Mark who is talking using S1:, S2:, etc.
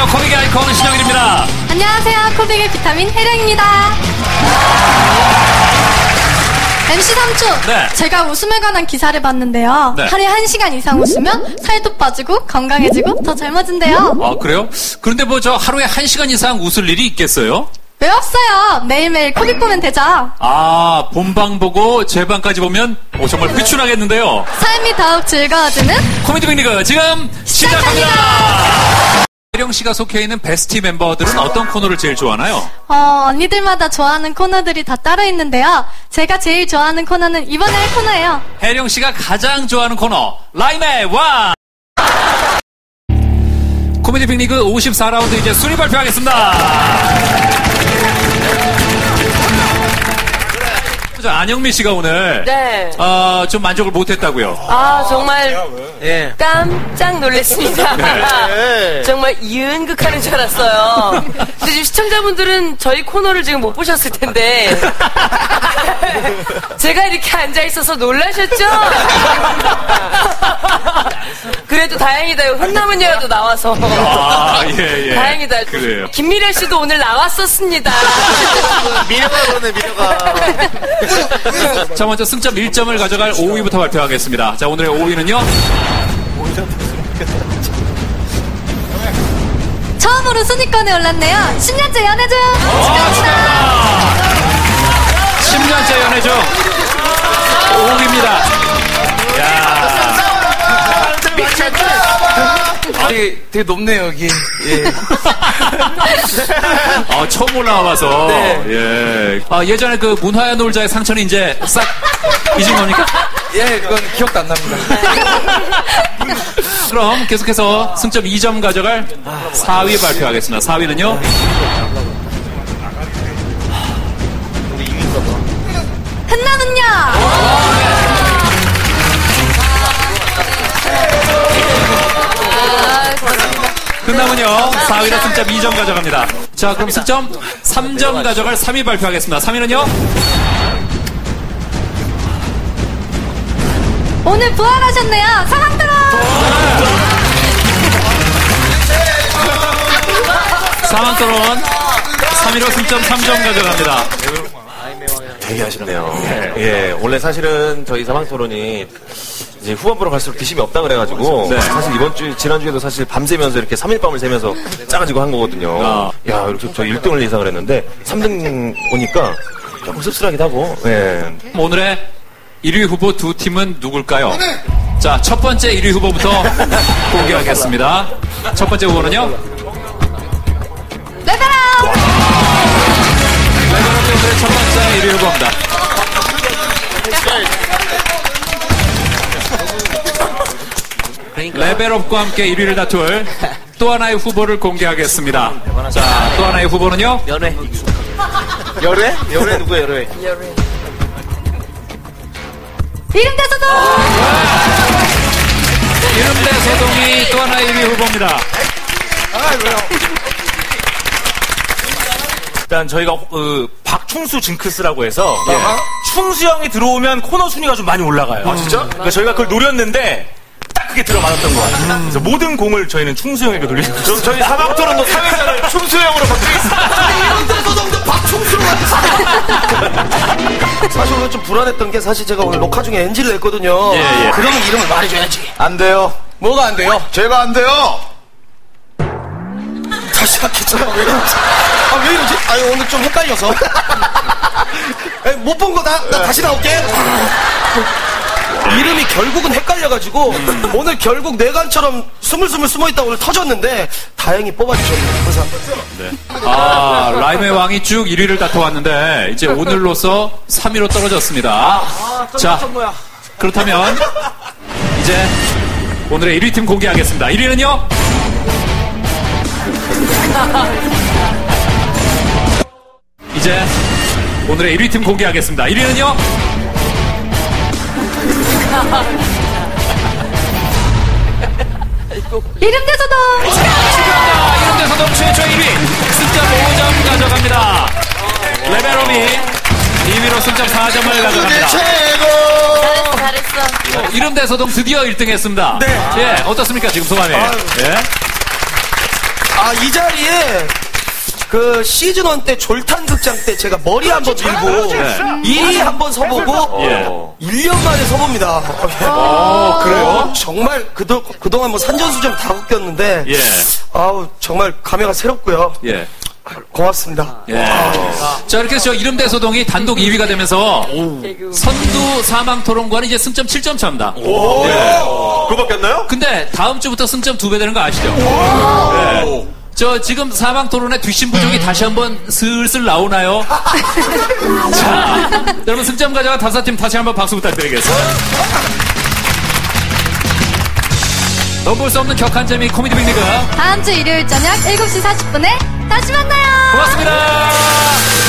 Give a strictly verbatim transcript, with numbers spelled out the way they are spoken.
S1: 안녕하세요. 코믹의 아이콘 신영일입니다.
S2: 안녕하세요. 코믹의 비타민 혜령입니다. 엠씨 삼촌,
S1: 네.
S2: 제가 웃음에 관한 기사를 봤는데요.
S1: 네.
S2: 하루에 한 시간 이상 웃으면 살도 빠지고 건강해지고 더 젊어진대요.
S1: 아, 그래요? 그런데 뭐 저 하루에 한 시간 이상 웃을 일이 있겠어요?
S2: 왜 없어요? 매일매일 코믹 보면 되죠.
S1: 아, 본방 보고 제방까지 보면 오, 정말 휘춘하겠는데요.
S2: 삶이 더욱 즐거워지는
S1: 코미디 빅리그 지금 시작합니다. 혜령 씨가 속해 있는 베스티 멤버들은 어떤 코너를 제일 좋아하나요?
S2: 어, 언니들마다 좋아하는 코너들이 다 따로 있는데요. 제가 제일 좋아하는 코너는 이번에 할 코너예요.
S1: 혜령 씨가 가장 좋아하는 코너 라임의 왕. 코미디 빅리그 오십사 라운드 이제 순위 발표하겠습니다. 안영미 씨가 오늘
S3: 네.
S1: 어, 좀 만족을 못했다고요.
S3: 아 정말
S4: 예.
S3: 깜짝 놀랐습니다.
S4: 네.
S3: 정말 이은극하는 줄 알았어요. 근데 지금 시청자분들은 저희 코너를 지금 못 보셨을 텐데 제가 이렇게 앉아 있어서 놀라셨죠? 그래도 다행이다. 혼남은 여도 나와서.
S1: 아, 예, 예.
S3: 다행이다.
S1: 그래요.
S3: 김미래 씨도 오늘 나왔었습니다.
S4: 미녀가 그러네, 미녀가.
S1: 자, 먼저 승점 일 점을 가져갈 오 위부터 발표하겠습니다. 자, 오늘의 오 위는요.
S2: 처음으로 순위권에 올랐네요. 십 년째 연애 중.
S1: 축하합니다. 십 년째 연애 중 오 위입니다. 야.
S4: 되게, 되게 높네요, 여기. 예.
S1: 아, 처음 올라와봐서.
S4: 네.
S1: 예. 아, 예전에 그 문화의 놀자의 상처는 이제 싹 잊은 겁니까?
S4: 예, 그건 기억도 안 납니다.
S1: 그럼 계속해서 승점 이 점 가져갈 사 위 발표하겠습니다. 사 위는요.
S2: 흔나는요.
S1: 끝나면요 사 위로 승점 이 점 가져갑니다. 자, 그럼 승점 삼 점 가져갈 삼 위 발표하겠습니다. 삼 위는요.
S2: 오늘 부활하셨네요. 사랑들어.
S1: 사망토론 삼 위로 승점 삼 점 가져갑니다.
S5: 되게 아쉽네요. 예. 예, 원래 사실은 저희 사망토론이 이제 후반부로 갈수록 뒷심이 없다 그래가지고
S1: 네.
S5: 사실 이번 주 지난주에도 사실 밤새면서 이렇게 삼 일 밤을 새면서 짜가지고 한 거거든요.
S1: 아.
S5: 야, 이렇게 저 일 등을 예상을 했는데 삼 등 오니까 조금 씁쓸하기도 하고. 예.
S1: 오늘의 일 위 후보 두 팀은 누굴까요? 자, 첫 번째 일 위 후보부터 공개하겠습니다. 첫 번째 후보는요.
S2: 레벨업.
S1: 레벨업 오늘의 첫 번째 일 위 후보입니다. 레벨업과 함께 일 위를 다툴 또 하나의 후보를 공개하겠습니다. 자, 또 하나의 후보는요.
S4: 연애. 열애? 열애 누구야, 열애?
S2: 이름 대소동.
S1: 이름 대소동이 또 하나의 일 위 후보입니다.
S4: 아, 왜요? 일단 저희가 그 박충수 징크스라고 해서 예. 충수 형이 들어오면 코너 순위가 좀 많이 올라가요. 아 진짜? 그러니까 저희가 그걸 노렸는데 딱 그게 들어맞았던 것 같아요. 그래서 모든 공을 저희는 충수 형에게 돌리고 있어요. 저희 사방토론도 사회자를 충수 형으로 바꾸겠습니다. 이런 데서도 박충수로
S6: 사실 오늘 좀 불안했던 게 사실 제가 오늘 녹화 중에 엔지를 냈거든요.
S1: 예, 예.
S6: 그러면 이름을 말해줘야지.
S4: 안 돼요.
S6: 뭐가 안 돼요?
S4: 제가 안 돼요.
S6: 다시 시작했잖아. 왜 이러지? 아, 왜 이러지? 아니, 오늘 좀 헷갈려서. 못 본 거다? 나 다시 나올게. 이름이 결국은 헷갈려가지고 음. 오늘 결국 내관처럼 스물스물 숨어있다 오늘 터졌는데 다행히 뽑아주셨네요. 그래서
S1: 네. 아, 라임의 왕이 쭉 일 위를 다퉈왔는데 이제 오늘로서 삼 위로 떨어졌습니다.
S6: 아,
S1: 자,
S6: 뭐야.
S1: 그렇다면 이제 오늘의 일 위 팀 공개하겠습니다. 일 위는요. 이제 오늘의 일 위 팀 공개하겠습니다. 일 위는요.
S2: 이름 대소동.
S1: 축하합니다. 이름 대소동 최초 일 위 승점 오 점 가져갑니다. 레벨업이 이 위로 승점 사 점을 가져갑니다.
S3: 잘했어, 잘했어.
S1: 어, 이름 대소동 드디어 일 등 했습니다.
S6: 네.
S1: 예, 어떻습니까 지금 소감이? 예.
S6: 아, 이 자리에 그 시즌 일 때 졸탄 극장 때 제가 머리 한번 밀고 일 위 한번 서보고
S1: 예.
S6: 일 년 만에 서봅니다.
S1: 어, 그래요?
S6: 정말 그도, 그동안 뭐 산전수전 다 웃겼는데
S1: 예.
S6: 아우 정말 감회가 새롭고요.
S1: 예.
S6: 고맙습니다.
S1: 예. 자, 이렇게 해서 저 이름대소동이 단독 이 위가 되면서 선두 사망 토론과는 이제 승점 칠 점 차입니다.
S5: 오, 그거 바뀌었나요?
S1: 근데 다음 주부터 승점 두 배 되는 거 아시죠? 네. 저 지금 사망 토론의 뒷심 부족이 다시 한번 슬슬 나오나요? 자, 여러분 승점 가져간 다섯 팀 다시 한번 박수 부탁드리겠습니다. 넘볼 수 없는 격한 재미 코미디 빅리그
S2: 다음 주 일요일 저녁 일곱 시 사십 분에 다시 만나요.
S1: 고맙습니다.